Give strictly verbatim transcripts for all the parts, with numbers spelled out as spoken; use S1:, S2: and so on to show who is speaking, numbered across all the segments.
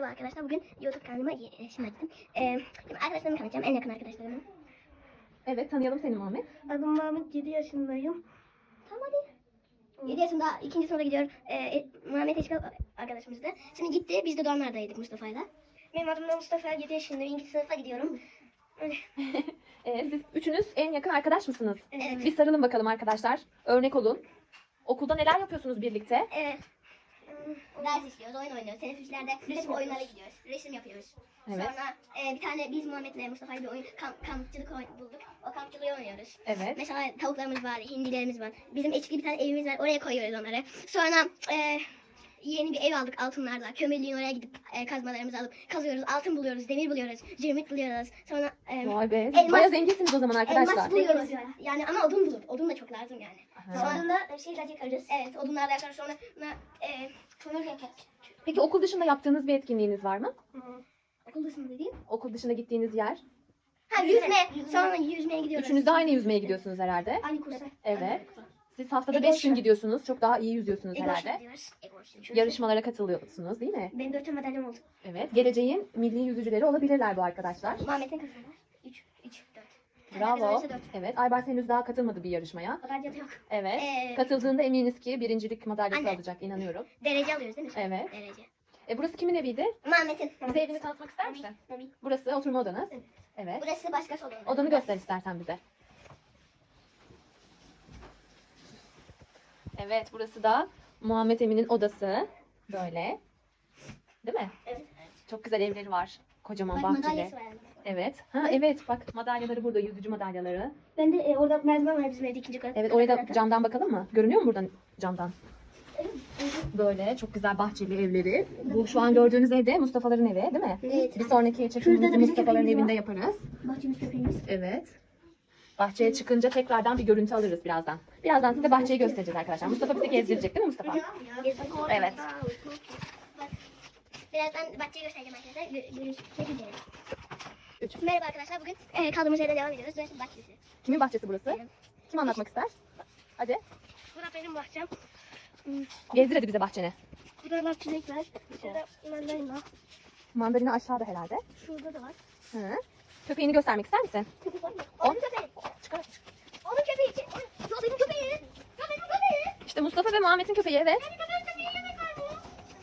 S1: Merhaba arkadaşlar. Bugün YouTube kanalıma e, şimdi açtım. Ee, şimdi arkadaşlarımı tanıtacağım. En yakın arkadaşlarımı.
S2: Evet, tanıyalım seni Muhammed.
S1: Adım Mahmut. yedi yaşındayım. Tamam hadi. yedi yaşında ikinci sınıfa gidiyor. Ee, e, Muhammed Eşkal arkadaşımızdı. Şimdi gitti. Biz de Doğanlar'daydık Mustafa'yla. Benim adım da Mustafa. yedi yaşındayım. ikinci sınıfa gidiyorum.
S2: Ee, siz üçünüz en yakın arkadaş mısınız?
S1: Evet.
S2: Bir sarılın bakalım arkadaşlar. Örnek olun. Okulda neler yapıyorsunuz birlikte?
S1: Evet. Ders işliyoruz, oyun oynuyoruz. Teneffüslerde resim oyunlara gidiyoruz. Resim yapıyoruz.
S2: Evet.
S1: Sonra e, bir tane biz Muhammed'le Mustafa'yla bir oyun kamp, kampçılık oyun bulduk. O kampçılığı oynuyoruz.
S2: Evet.
S1: Mesela tavuklarımız var, hindilerimiz var. Bizim eski bir tane evimiz var. Oraya koyuyoruz onları. Sonra e, yeni bir ev aldık altınlarla. Kömürlüğün oraya gidip e, kazmalarımızı alıp kazıyoruz. Altın buluyoruz, demir buluyoruz, zirmit buluyoruz. Sonra e,
S2: Vay be.
S1: elmas-
S2: Bayağı zenginsiniz o zaman arkadaşlar.
S1: elmas buluyoruz. Yani ama odun bulur. Odun da çok lazım yani.
S2: Aha.
S1: Sonra da şeyler yakarız. Evet, odunlarla yakarız. Sonra e, kömür yakarız.
S2: Peki okul dışında yaptığınız bir etkinliğiniz var mı?
S1: Okul dışında dediğim.
S2: Okul dışında gittiğiniz yer.
S1: Ha yüzme. Sonra yüzmeye gidiyoruz.
S2: Üçünüz de aynı yüzmeye gidiyorsunuz herhalde.
S1: Aynı kursa.
S2: Evet. Siz haftada
S1: Ego
S2: beş gün
S1: şart.
S2: gidiyorsunuz. Çok daha iyi yüzüyorsunuz
S1: Ego
S2: herhalde.
S1: gidiyoruz. Ego
S2: Yarışmalara katılıyorsunuz değil mi?
S1: Benim dört tane madalyam oldu.
S2: Evet. Geleceğin milli yüzücüleri olabilirler bu arkadaşlar.
S1: Muhammed'in kazandı. üç, üç, dört.
S2: Bravo. Evet. Aybars henüz daha katılmadı bir yarışmaya.
S1: Madalya yok.
S2: Evet.
S1: Ee,
S2: Katıldığında eminiz ki birincilik madalyası
S1: Anne.
S2: alacak, inanıyorum.
S1: Derece alıyoruz değil mi?
S2: Evet.
S1: Derece.
S2: E, burası kimin eviydi?
S1: Muhammed'in.
S2: Bize evini tanıtmak ister misin?
S1: Tabii.
S2: Burası oturma odanız.
S1: Evet.
S2: Evet.
S1: Burası başka salon.
S2: Odanı göster istersen bize. Evet, burası da Muhammed Emin'in odası. Böyle. Değil mi?
S1: Evet.
S2: Çok güzel evleri var. Kocaman
S1: Bak
S2: bahçeli.
S1: madalyası var.
S2: Evet. Ha evet, bak madalyaları burada, yüzücü madalyaları.
S1: Ben de e, orada merdiven var bizim evde ikinci kat.
S2: Evet, oraya da camdan bakalım mı? Görünüyor mu buradan camdan? Böyle çok güzel bahçeli evleri. Bu şu an gördüğünüz evde Mustafa'ların evi, değil mi?
S1: Evet.
S2: Bir sonraki
S1: Şurada
S2: çekimimizi
S1: da bizim
S2: Mustafa'ların
S1: köpeğimiz
S2: evinde
S1: var.
S2: yaparız.
S1: Bahçemiz köpeğimiz.
S2: Evet. Bahçeye çıkınca tekrardan bir görüntü alırız birazdan. Birazdan size bahçeyi göstereceğiz arkadaşlar. Mustafa bizi gezdirecek değil mi Mustafa? Evet.
S1: Birazdan bahçeyi göstereceğim arkadaşlar. Gö- Görüşmek üzere.
S2: Üç.
S1: Merhaba arkadaşlar. Bugün e, kaldığımız yerden devam ediyoruz. Burası bahçesi.
S2: Kimin bahçesi burası?
S1: Benim.
S2: Kim anlatmak ister? Hadi.
S1: Burada benim bahçem.
S2: Gezdir hadi bize bahçeni.
S1: Burada çilek var. Şurada mandalina.
S2: Mandalina aşağıda herhalde.
S1: Şurada da var.
S2: Hı. Köpeğini göstermek ister misin?
S1: Köpek var mı?
S2: On.
S1: Onun köpeği.
S2: Çıkar.
S1: Onun köpeği. Ya benim köpeği. Ya benim köpeği.
S2: İşte Mustafa ve Muhammed'in köpeği, evet.
S1: Benim köpeğim köpeği yemek var mı?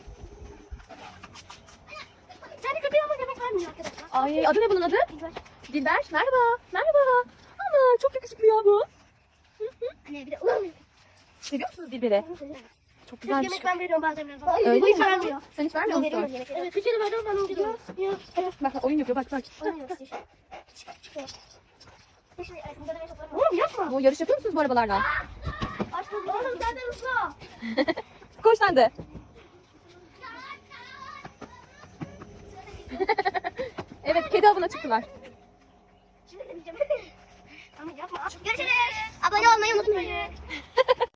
S1: Senin köpeği ama yemek vermiyor arkadaşlar.
S2: Ay adı ne bunun adı?
S1: Güzel.
S2: Dilber. Merhaba. Merhaba. Ana çok yakışıklı ya bu.
S1: Anne bir de ulan.
S2: Seviyor musunuz Dilber'i? Çok güzel bir şey.
S1: Yemek ben veriyorum bazen biraz.
S2: Öyle
S1: Bu hiç
S2: mi?
S1: vermiyor.
S2: Sen hiç vermiyor musun?
S1: Evet, bir kere verdim ben onu gidiyorum.
S2: Bak bak oyun yapıyor bak bak.
S1: Oğlum yapma.
S2: Bu yarış yapıyor musunuz bu arabalarla?
S1: Oğlum sen de ısla.
S2: Koş sen de. Evet kedi avına çıktılar.
S1: Şimdi deneyeceğim. Tamam yapma. Görüşürüz. Abone olmayı unutmayın.